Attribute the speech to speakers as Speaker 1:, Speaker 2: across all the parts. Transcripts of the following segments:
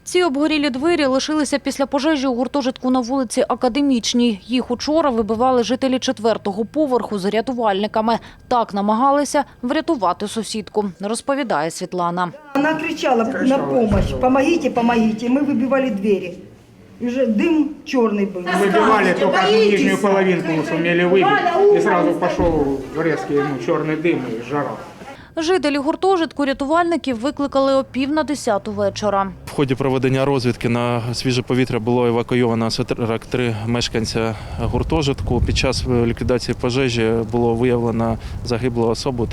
Speaker 1: Ці обгорілі двері лишилися після пожежі у гуртожитку на вулиці Академічній. Їх учора вибивали жителі 4-го поверху з рятувальниками. Так намагалися врятувати сусідку, розповідає Світлана.
Speaker 2: Вона кричала на допомогу: «Помогите, помогите». Ми вибивали двері. И уже дым черный был.
Speaker 3: Выбивали только одну нижнюю половинку, сумели выбить. И сразу пошел резкий черный дым и жара.
Speaker 1: Жителі гуртожитку рятувальників викликали о 9:50 вечора.
Speaker 4: В ході проведення розвідки на свіже повітря було евакуйовано 43 мешканця гуртожитку. Під час ліквідації пожежі було виявлено загиблу особу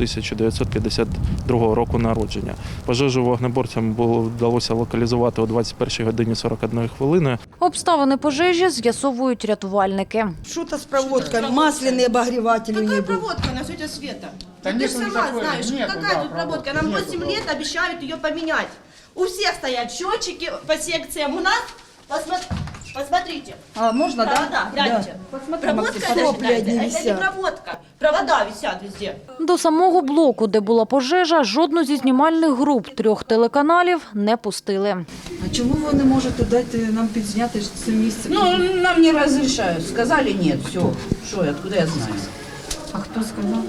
Speaker 4: 1952 року народження. Пожежу вогнеборцям вдалося локалізувати о 21:41.
Speaker 1: Обставини пожежі з'ясовують рятувальники.
Speaker 2: Что-то с проводкой, масляные обогреватели у нее
Speaker 5: Какая
Speaker 2: были.
Speaker 5: проводка на тетя Света?
Speaker 3: Да
Speaker 5: Ты
Speaker 3: нет,
Speaker 5: же
Speaker 3: ну
Speaker 5: сама
Speaker 3: такой
Speaker 5: знаешь,
Speaker 3: нету,
Speaker 5: какая
Speaker 3: да,
Speaker 5: тут проводка. Нам
Speaker 3: нету,
Speaker 5: 8
Speaker 3: да.
Speaker 5: лет обещают ее поменять. У всех стоят счетчики по секциям. У нас, посмотрите.
Speaker 2: А, можно, да?
Speaker 5: Да, гляньте. Проводка это,
Speaker 2: Сопли
Speaker 5: считайте,
Speaker 2: одни
Speaker 5: это не
Speaker 2: висят.
Speaker 5: проводка. Провода висят везде.
Speaker 1: До самого блоку, де була пожежа, жодну зі знімальних груп 3 телеканалів не пустили.
Speaker 6: А чому ви не можете дати нам підзняти це місце?
Speaker 7: Ну, нам не разрешают. Сказали нет, все. Что, откуда я знаю?
Speaker 6: А хто сказав?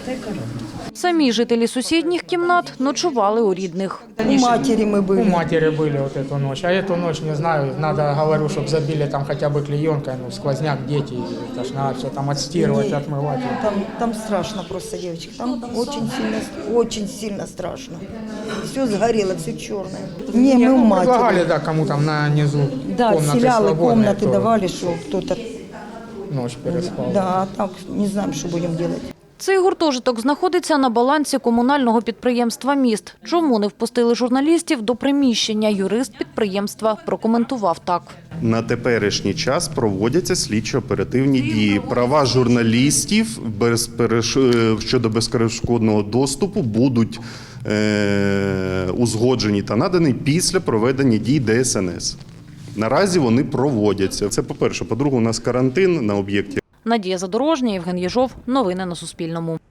Speaker 1: Самі жителі сусідніх кімнат ночували у рідних.
Speaker 2: У матери мы
Speaker 3: У
Speaker 2: были.
Speaker 3: матери были вот эту ночь, а эту ночь, не знаю, надо, говорю, чтобы забили там хотя бы клеенкой, сквозняк, дети, это ж надо все там отстирывать,
Speaker 2: Не,
Speaker 3: отмывать.
Speaker 2: Там страшно просто, девочки. Там очень сильно страшно. Все сгорело, все черное. Не, мы у
Speaker 3: Предлагали,
Speaker 2: матери.
Speaker 3: да, кому там на низу
Speaker 2: Да,
Speaker 3: комнаты
Speaker 2: селялы,
Speaker 3: свободные,
Speaker 2: комнаты
Speaker 3: кто
Speaker 2: давали, что кто-то...
Speaker 3: ночь переспал.
Speaker 2: Да, а так не знаем, что будем делать.
Speaker 1: Цей гуртожиток знаходиться на балансі комунального підприємства «Міст». Чому не впустили журналістів до приміщення, юрист підприємства прокоментував так.
Speaker 8: На теперішній час проводяться слідчо-оперативні дії. Права журналістів щодо безперешкодного доступу будуть узгоджені та надані після проведення дій ДСНС. Наразі вони проводяться. Це по-перше. По-друге, у нас карантин на об'єкті.
Speaker 1: Надія Задорожня, Євген Єжов. Новини на Суспільному.